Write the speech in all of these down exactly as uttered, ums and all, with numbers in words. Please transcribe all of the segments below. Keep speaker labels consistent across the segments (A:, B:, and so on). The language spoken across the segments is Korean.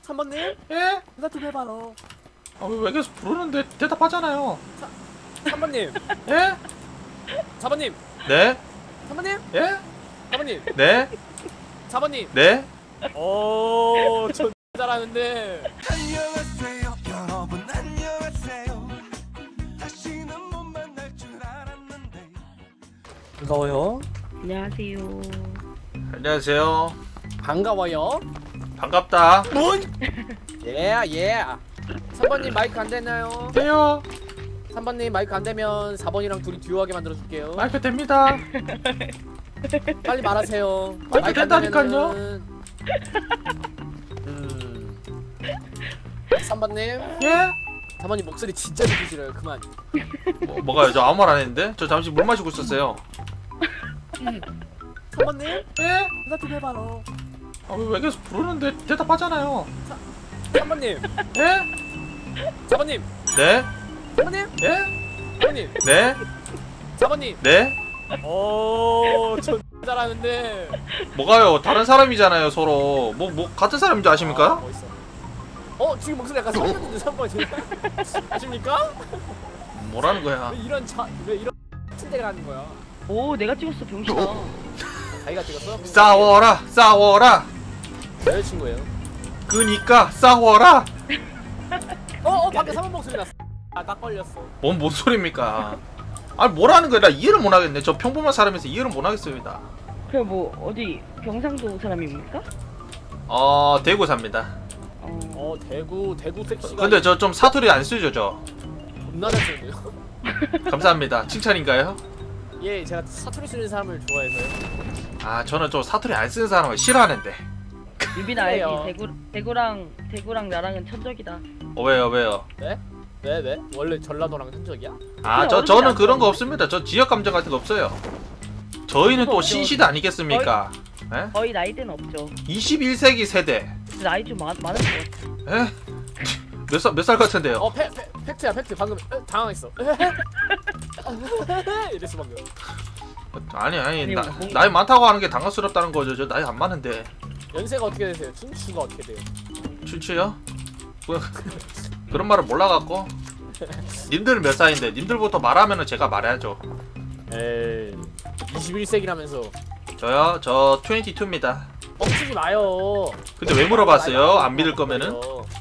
A: 삼 번님?
B: 예?
A: 대답 좀 해봐요.
B: 아, 왜 계속 부르는데 대답하잖아요.
A: 삼 번님?
B: 예?
A: 사 번님?
B: 네?
A: 삼 번님?
B: 예?
A: 사 번님?
B: 네?
A: 사 번님?
B: 네?
A: 오, 저 잘하는데.
C: 안녕하세요 여러분 안녕하세요 다시는 못 만날 줄 알았는데
A: 반가워요.
D: 안녕하세요.
B: 안녕하세요.
A: 반가워요.
B: 반갑다.
A: 뭔? 예, 예. 삼 번님 마이크 안 되나요?
B: 돼요.
A: 삼 번님 마이크 안 되면 사 번이랑 둘이 듀오하게 만들어 줄게요.
B: 마이크 됩니다.
A: 빨리 말하세요.
B: 마이크
A: 안
B: 된다니까요.
A: 되면은- 음. 삼 번님?
B: 예?
A: 삼 번님 목소리 진짜 듣기 싫어요. 그만.
B: 뭐, 뭐가요? 저 아무 말 안 했는데? 저 잠시 물 마시고 있었어요.
A: 삼 번님?
B: 예?
A: 대답 좀 해봐요.
B: 아, 왜 계속 부르는데 대답하잖아요.
A: 삼 번님?
B: 예?
A: 사 번님?
B: 네?
A: 삼 번님?
B: 예?
A: 사 번님?
B: 네?
A: 사 번님?
B: 네?
A: 오, 저 잘하는데.
B: 뭐가요? 다른 사람이잖아요, 서로. 뭐, 뭐, 같은 사람인 줄
A: 아,
B: 아십니까?
A: 멋있어. 어, 지금 목소리 약간 소년인데 삼 번 지금. 아십니까?
B: 뭐라는 거야?
A: 왜 이런 자, 왜 이런 침대가 하는 거야?
D: 오, 내가 찍었어, 병신아.
A: 자기가 찍었어?
B: 싸워라! 싸워라!
A: 여자친구예요.
B: 그니까 싸워라!
A: 어, 어, 방금 삼 번 목소리 났어. 아, 딱 걸렸어.
B: 뭔, 뭔 소리입니까? 아니, 뭐라는 거야? 나 이해를 못 하겠네. 저 평범한 사람에서 이해를 못 하겠습니다.
D: 그래, 뭐, 어디, 경상도 사람입니까?
B: 어, 대구 삽니다.
D: 어,
A: 어, 대구, 대구 섹시가.
B: 근데 저 좀 사투리 안 쓰죠, 저?
A: 겁나 잘 쓰는데요?
B: 감사합니다. 칭찬인가요?
A: 예, 제가 사투리 쓰는 사람을 좋아해서요.
B: 아, 저는 좀 사투리 안 쓰는 사람을 싫어하는데.
D: 유빈아 알지?
A: 그래요.
D: 대구, 대구랑, 대구랑 나랑은 천적이다.
B: 어, 왜요, 왜요?
A: 네? 왜, 왜? 원래 전라도랑 흔적이야?
B: 아, 저, 저는 그런 거 없습니다. 저 지역 감정 같은 거 없어요. 저희는 또 신시대 아니겠습니까? 에?
D: 거의 나이대는 없죠.
B: 이십일 세기 세대.
D: 근데 나이 좀 많, 많을 것 같아.
B: 에? 몇 살, 몇 살 같은데요?
A: 어, 페, 페, 팩트야, 팩트. 방금 에, 당황했어. 이랬어, 방금.
B: 아니, 아니,
D: 아니,
B: 나,
D: 뭐-
B: 나이 많다고 하는 게 당황스럽다는 거죠. 저 나이 안 많은데.
A: 연세가 어떻게 되세요? 춘추가 어떻게 돼요?
B: 춘추요? 뭐, 그런 말을 몰라갖고. 님들 몇 살인데? 님들부터 말하면은 제가 말해야죠.
A: 에이, 이십일 세기라면서.
B: 저요? 저 이십이입니다.
A: 뻥치지 마요.
B: 근데 왜 물어봤어요? 안 믿을 거면은?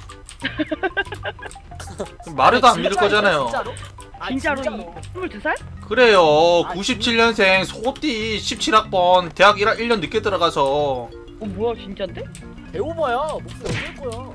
B: 말해도 안 믿을 거잖아요.
A: 진짜로? 아,
D: 진짜로,
A: 진짜로?
D: 이, 스물두 살?
B: 그래요.
A: 아,
B: 구십칠 년생 소띠 십칠 학번 대학 일, 일 년 늦게 들어가서.
D: 어, 뭐야, 진짠데?
A: 배워봐야 목소리 어떨 거야.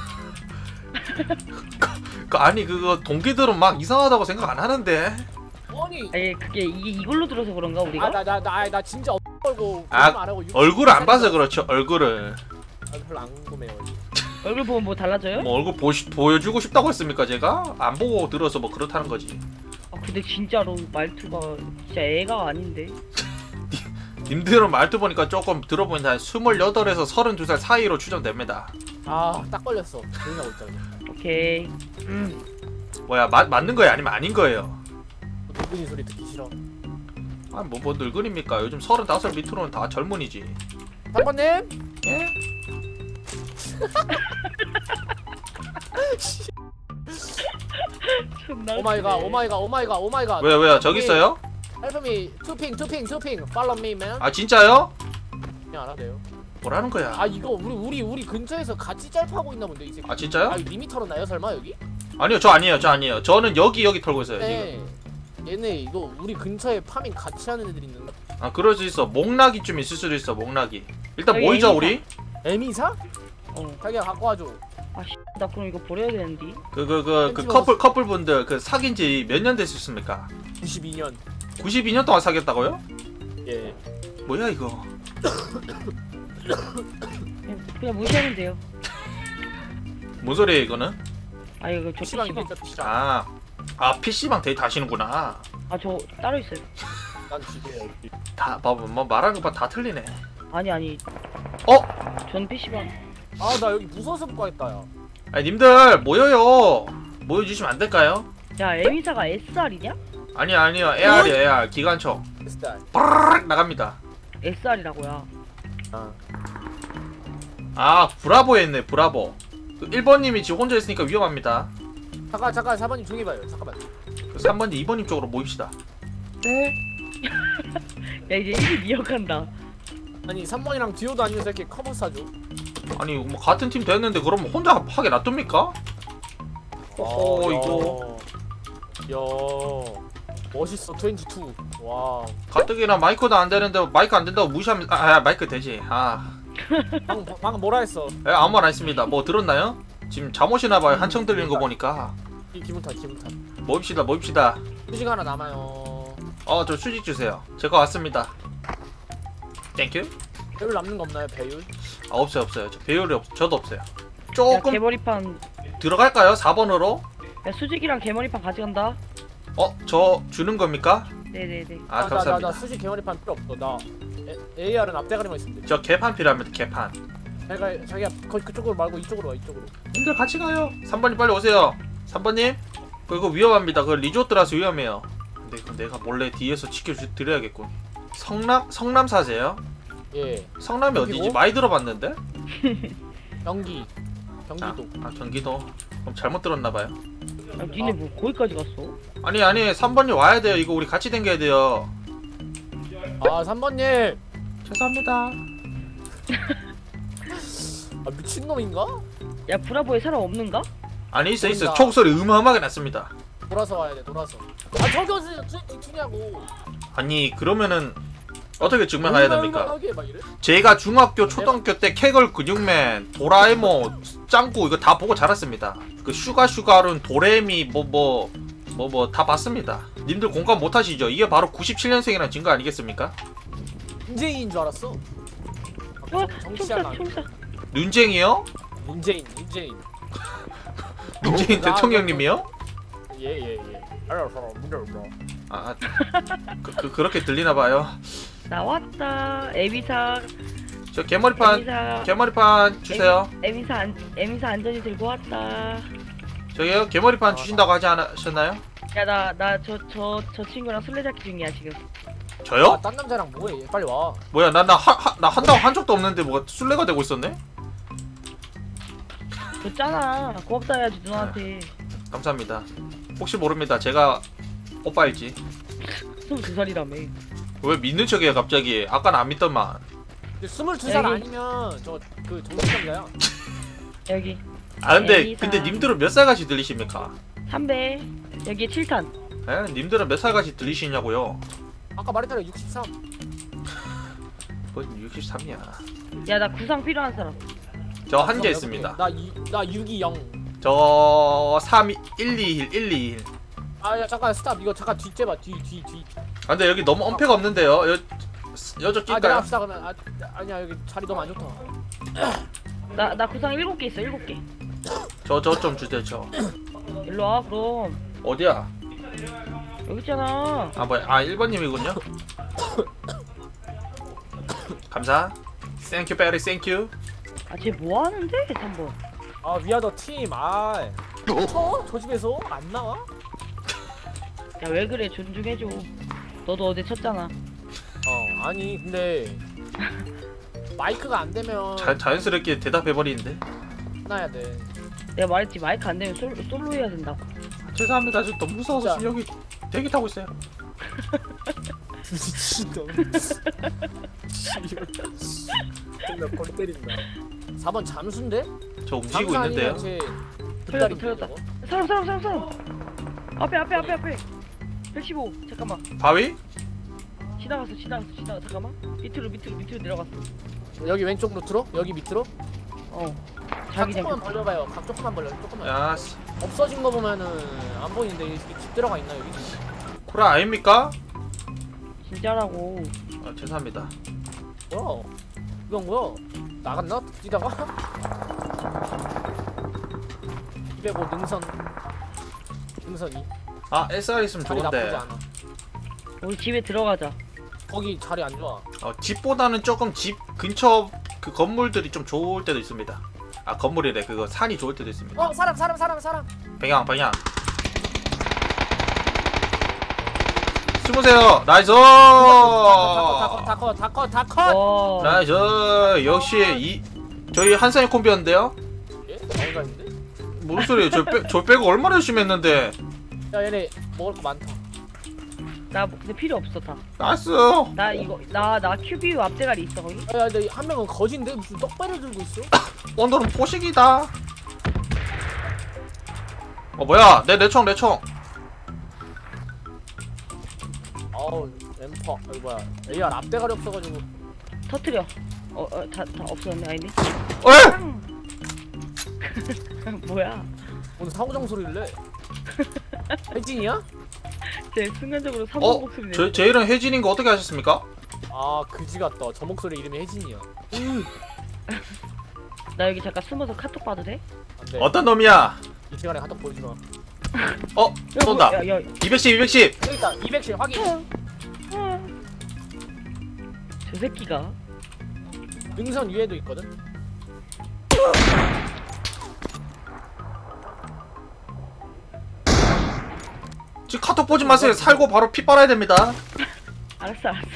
B: 그, 아니 그거 동기들은 막 이상하다고 생각 안 하는데.
A: 아니,
D: 아니, 그게, 이게 이걸로 들어서 그런가, 우리가?
A: 아, 나, 나, 나, 나 진짜 어 걸고
B: 아,
A: 안 하고
B: 얼굴을 안 봐서 그렇죠. 얼굴을.
A: 아, 별로 안 궁금해요.
D: 얼굴 보면 뭐 달라져요?
B: 뭐 얼굴 보, 보여주고 싶다고 했습니까 제가? 안 보고 들어서 뭐 그렇다는 거지.
D: 아, 근데 진짜로 말투가 진짜 애가 아닌데.
B: 님들은 말투 보니까 조금 들어보니까 한 스물여덟에서 서른두 살 사이로 추정됩니다.
A: 아, 딱 걸렸어. 조용히 하고 있잖아.
D: 오케이.
A: 음,
B: 뭐야 마, 맞는 거예요 아니면 아닌 거예요?
A: 늙은이 소리 듣기 싫어.
B: 아 뭐 뭐 늙은입니까? 요즘 서른다섯 살 밑으로는 다 젊은이지.
A: 삼 번님?
B: 예?
D: 존나
A: 오마이갓,
D: 웃기네.
A: 오마이갓, 오마이갓, 오마이갓.
B: 왜요 왜요 저기 있어요?
A: Help me, 투핑, 투핑, 투핑. Follow me, man.
B: 아 진짜요?
A: 그냥 알아대요.
B: 뭐라는 거야?
A: 아, 이거 우리 우리 우리 근처에서 같이 짤파고 있나 본데 이 새끼.
B: 아 진짜요?
A: 아, 이거 리미 털었나요 설마 여기?
B: 아니요 저 아니에요 저 아니에요. 저는 여기 여기 털고 있어요 지금.
A: 네. 얘네 이거 우리 근처에 파밍 같이 하는 애들 있는데.
B: 아 그럴 수 있어. 목락이 좀 있을 수도 있어. 목락이. 일단
D: 여기
B: 모이자
D: 애미사.
B: 우리.
A: 에미사?
D: 어.
A: 자기가 갖고 와줘.
D: 아, 씨, 나 그럼 이거 버려야 되는데.
B: 그 그 그 그
A: 왠지
B: 커플 커플 분들 그 사귄 지 몇 년 됐습니까?
A: 구십이 년.
B: 구십이 년 동안 사귀었다고요?
A: 예.
B: 뭐야 이거?
D: 그냥, 그냥 무시하면 돼요.
B: 뭔 소리야 이거는?
D: 아, 이거 저
A: 피시방이
D: 피시방.
A: 됐죠, 피시방.
B: 아, 아 피씨방 데이트 하시는구나.
D: 아, 저 따로 있어요.
A: 난 집에.
B: 다 봐봐 뭐 말하는 거 봐 다 틀리네.
D: 아니, 아니.
B: 어?
D: 전 피시방.
A: 아, 나 여기 무서워서 못 가겠다, 야.
B: 아니 님들 모여요. 모여주시면 안 될까요?
D: 야, 에미사가 에스알이냐?
B: 아니요 아니요 에알이요 에알 기관총.
A: 스타일.
B: 빠르르 나갑니다.
D: 에스알이라고야.
A: 아.
B: 아 브라보에 있네 브라보. 그 일 번님이 지금 혼자 있으니까 위험합니다.
A: 잠깐 잠깐 사 번님 조용히 봐요. 잠깐만.
B: 그 삼 번님, 이 번님 쪽으로 모입시다.
A: 네.
D: 야 이제 일이 미역한다.
A: 아니 삼 번이랑 듀오도 아니면서 이렇게 커버 싸줘.
B: 아니 뭐 같은 팀 됐는데 그러면 혼자 하게 놔둡니까? 어 이거
A: 야 멋있어. 이십이. 와.
B: 가뜩이나 마이크도 안 되는데 마이크 안 된다고 무시하면 아, 아 마이크 되지. 아
A: 방금 방금 뭐라 했어?
B: 예, 아무 말 안 했습니다. 뭐 들었나요? 지금 잠옷이나 봐요. 한청 들리는 거 보니까.
A: 이 기분 탓 기분 탓.
B: 모입시다 모입시다.
A: 휴식 하나 남아요.
B: 어 저 수직 주세요. 제가 왔습니다. 땡큐.
A: 배율 남는 거 없나요? 배율?
B: 아 없어요 없어요. 저 배율이 없 저도 없어요.
D: 야
B: 조금
D: 개머리판.
B: 들어갈까요? 사 번으로?
D: 야 수직이랑 개머리판 가져간다.
B: 어 저 주는 겁니까?
D: 네네네.
B: 아
A: 나, 나,
B: 감사합니다.
A: 나 수직 개머리판 필요 없어. 나 에, 에이알은 앞대가리만 있으면 돼.
B: 저 개판 필요합니다. 개판.
A: 자기가 자기가 거기 그쪽으로 말고 이쪽으로 와 이쪽으로.
B: 님들 같이 가요. 삼 번님 빨리 오세요. 삼 번님 그거 위험합니다. 그 리조트라서 위험해요. 근데 그 내가 몰래 뒤에서 지켜드려야겠군. 성남 성남사세요?
A: 예.
B: 성남이
A: 여기고?
B: 어디지? 많이 들어봤는데?
A: 경기.
B: 아,
A: 경기도.
B: 아 경기도. 그럼 잘못 들었나봐요.
D: 야 니네 뭐 거기까지 갔어?
B: 아니 아니 삼 번님 와야 돼요. 이거 우리 같이 댕겨야 돼요.
A: 아 삼 번님.
B: 죄송합니다.
A: 아 미친놈인가?
D: 야 브라보에 사람 없는가?
B: 아니 있어 있어.
A: 보인다.
B: 총소리 음하하게 났습니다.
A: 돌아서 와야 돼. 돌아서. 아 저기 어디서 튀냐고.
B: 아니 그러면은 어떻게 증명해야 됩니까?
A: 얼마나 막 이래?
B: 제가 중학교 초등학교 때 캐걸 근육맨 도라에몽 짱구 이거 다 보고 자랐습니다. 그 슈가 슈가룬 도레미 뭐 뭐 뭐 뭐 다 봤습니다. 님들 공감 못 하시죠? 이게 바로 구십칠 년생이라는 증거 아니겠습니까?
A: 문재인인 줄 알았어.
D: 어?
A: 정치학
D: 총사
A: 아니.
D: 총사.
B: 눈쟁이요?
A: 문재인 문재인.
B: 문재인
A: 나-
B: 대통령님이요?
A: 예예 예. 알았어. 문재인.
B: 아, 그, 그 그렇게 들리나 봐요.
D: 나왔다. 에미사.
B: 저 개머리판
D: 에미사.
B: 개머리판 주세요.
D: 에미사 안 에미사 안전히 들고 왔다.
B: 저기요 개머리판 주신다고 하지 않으셨나요?
D: 야 나 나 저 저 저 친구랑 술래잡기 중이야 지금.
B: 저요?
A: 아, 딴 남자랑 뭐해? 빨리 와.
B: 뭐야 나 나 나 한다고 한 적도 없는데 뭐가 술래가 되고 있었네?
D: 줬잖아. 고맙다 해야지 누나한테.
B: 감사합니다. 혹시 모릅니다. 제가 오빠일지.
D: 스물두 살이라며.
B: 왜 믿는 척이야 갑자기? 아까는 안 믿더만.
A: 스물두 살
D: 여기.
A: 아니면 저 그 정신병자야.
D: 여기
B: 아 근데
D: 에이사.
B: 근데 님들은 몇 살같이 들리십니까?
D: 삼배. 여기 칠 탄.
B: 에? 님들은 몇 살같이 들리시냐고요?
A: 아까 말했잖아 육십삼.
B: 그건 육십삼이야.
D: 야 나 구상 필요한 사람.
B: 저 한재 있습니다.
A: 나나 육이영.
B: 저 삼, 일, 이, 일, 일, 이, 일.
A: 아야 잠깐 스탑. 이거 잠깐 뒤째 봐. 뒤 뒤 뒤.
B: 아 근데 여기 너무 엄폐가 없는데요. 여 여저
A: 아
B: 낄까요?
A: 내가 합시다 그러면. 아 아니야 여기 자리 너무 안 좋다.
D: 나 나 구상 일곱 개 있어 일곱 개.
B: 저 저 좀 주세요. 저
D: 일로 와 그럼.
B: 어디야?
D: 여기 있잖아.
B: 아 뭐야? 아 일 번님이군요. 감사. 땡큐 베리 땡큐.
D: 아쟤 뭐 하는데 삼 번.
A: 아 위아더 팀. 아. 쳐? 저 집에서 안 나와?
D: 야 왜 그래 존중해줘. 너도 어제 쳤잖아.
A: 어 아니 근데 마이크가 안 되면
B: 자, 자연스럽게 대답해버리는데.
A: 끝나야 돼.
D: 내가 말했지 마이크 안 되면 솔, 솔로 해야 된다고.
B: 죄송합니다. 저 너무 무서워서
A: 진짜.
B: 지금 여기 대기 타고 있어요.
A: 미친놈. 존나 골 때린다. 사 번 잠수인데?
B: 저 움직이고 있는데요.
D: 털렸다 털렸다. 사람 사람 사람 사람. 앞에 앞에 앞에 앞에. 백십오. 잠깐만.
B: 바위?
D: 지나갔어 지나갔어 지나가. 잠깐만. 밑으로 밑으로 밑으로 내려갔어.
A: 여기 왼쪽 루트로? 여기 밑으로?
D: 어.
A: 각
D: 자기장.
A: 조금만 벌려봐요. 각 조금만 벌려. 조금만.
B: 야, 씨.
A: 없어진 거 보면은 안 보이는데 이게 집 들어가 있나 여기?
B: 구라 아닙니까?
D: 진짜라고.
B: 아, 죄송합니다.
A: 뭐야? 이건 뭐야? 나갔나? 뛰다가? 이백오 능선. 능선이.
B: 아, 에스알 있으면
A: 자리 나쁘지
B: 좋은데.
A: 않아.
D: 우리 집에 들어가자.
A: 거기 자리 안 좋아.
B: 어, 집보다는 조금 집 근처 그 건물들이 좀 좋을 때도 있습니다. 아, 건물이래. 그거 산이 좋을 때도 있습니다.
A: 어 사람 사람 사람 사람.
B: 방향, 방향. 숨으세요. 나이스!
A: 다컷다컷다컷다컷.
D: 와.
B: 나이스! 역시 이 저희 한산의 콤비였는데요.
A: 예? 나온다는데?
B: 무슨 소리예요? 저, 빼, 저 빼고 얼마나 열심히 했는데.
A: 야 얘네 먹을 거 많다.
D: 나 근데 필요 없어 다.
B: 나이스.
D: 나 이거 나 나 큐비유 앞대가리 있어 거기?
A: 야야 근데 한 명은 거진데 무슨 떡배를 들고 있어?
B: 오늘은 포식이다. 어 뭐야? 내 내 총 내 총.
A: 어우 엠퍼 이거 뭐야 에이알 앞대가리 없어가지고.
D: 터트려. 어어다 다 없었네 아니네.
B: 에?
D: 뭐야?
A: 오늘 사고장 소리를 내. 혜진이야?
D: 제 순간적으로 삼성
B: 어?
D: 목소리
B: 제,
D: 내.
B: 제 이름 혜진인 거 어떻게 아셨습니까?
A: 아 그지 같다. 저 목소리 이름이 혜진이야.
D: 나 여기 잠깐 숨어서 카톡 봐도 돼?
A: 안돼.
B: 어떤 놈이야?
A: 이 시간에 카톡 보여주지 마.
B: 어? 쏜다.
D: 야, 야,
B: 이백십 이백십.
A: 여기 있다. 이백십 확인.
D: 저 새끼가
A: 능선 위에도 있거든.
B: 지금 카톡 보지 마세요. 살고 바로 피 빨아야 됩니다.
D: 알았어 알았어.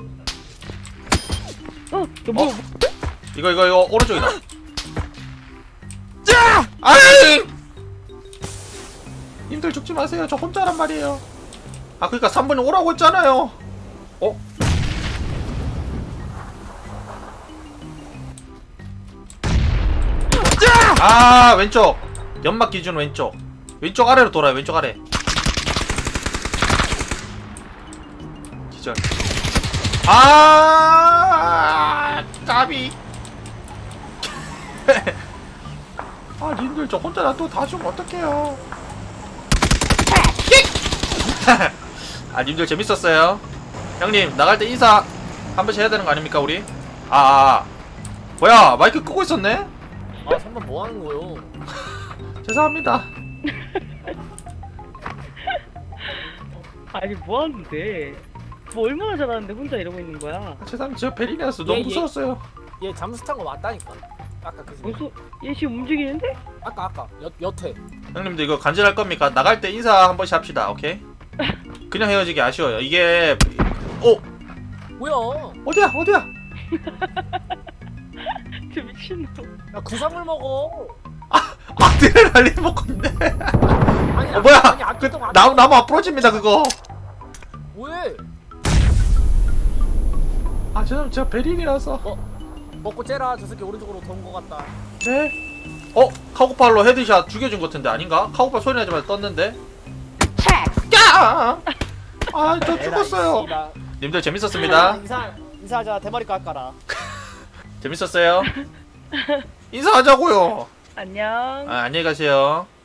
D: 어, 너 뭐?
B: 어? 이거 이거 이거 오른쪽이다. 짜! 아이! 님들 죽지 마세요. 저 혼자란 말이에요. 아 그러니까 삼 분이 오라고 했잖아요. 어? 짜! 아 왼쪽. 연막 기준 왼쪽. 왼쪽 아래로 돌아요. 왼쪽 아래. 기절. 아 까비. 아 님들 저 혼자 놔둬 다 죽으면 어떡해요. 아 님들 재밌었어요. 형님 나갈 때 인사 한 번씩 해야 되는 거 아닙니까 우리? 아, 아 뭐야 마이크 끄고 있었네?
A: 아 삼번 뭐 하는 거요?
B: 죄송합니다.
D: 아니 뭐 하는데? 뭐 얼마나 잘하는데 혼자 이러고 있는 거야?
B: 죄송합니다. 저 베리네였어. 너무
A: 예, 예.
B: 무서웠어요.
A: 얘 잠수 탄 거 맞다니까. 아까 그지?
D: 무슨 얘 지금 움직이는데?
A: 아까 아까 여 여태.
B: 형님들 이거 간절할 겁니까? 나갈 때 인사 한 번씩 합시다. 오케이? 그냥 헤어지기 아쉬워요. 이게 어
A: 뭐야?
B: 어디야 어디야?
D: 저 미친놈.
A: 야 구상을 먹어.
B: 아드레날린 먹고 있네.
A: 아니
B: 어 뭐야?
A: 아니 아까
B: 그
A: 동안
B: 나무 나무 앞으로집니다 그거.
A: 뭐해?
B: 아 죄송 제가 베린이라서.
A: 먹고 째라. 저 새끼 오른쪽으로 도는 거 같다.
B: 네? 어? 카고팔로 헤드샷 죽여준 것 같은데 아닌가? 카고팔 소리 나자마자 떴는데? 야! 아, 저 죽었어요.
A: 에라, 이
B: 님들
A: 씨발.
B: 재밌었습니다.
A: 인사 인사하자. 대머리 깎아라.
B: 재밌었어요. 인사하자고요.
D: 안녕.
B: 아, 안녕히 가세요.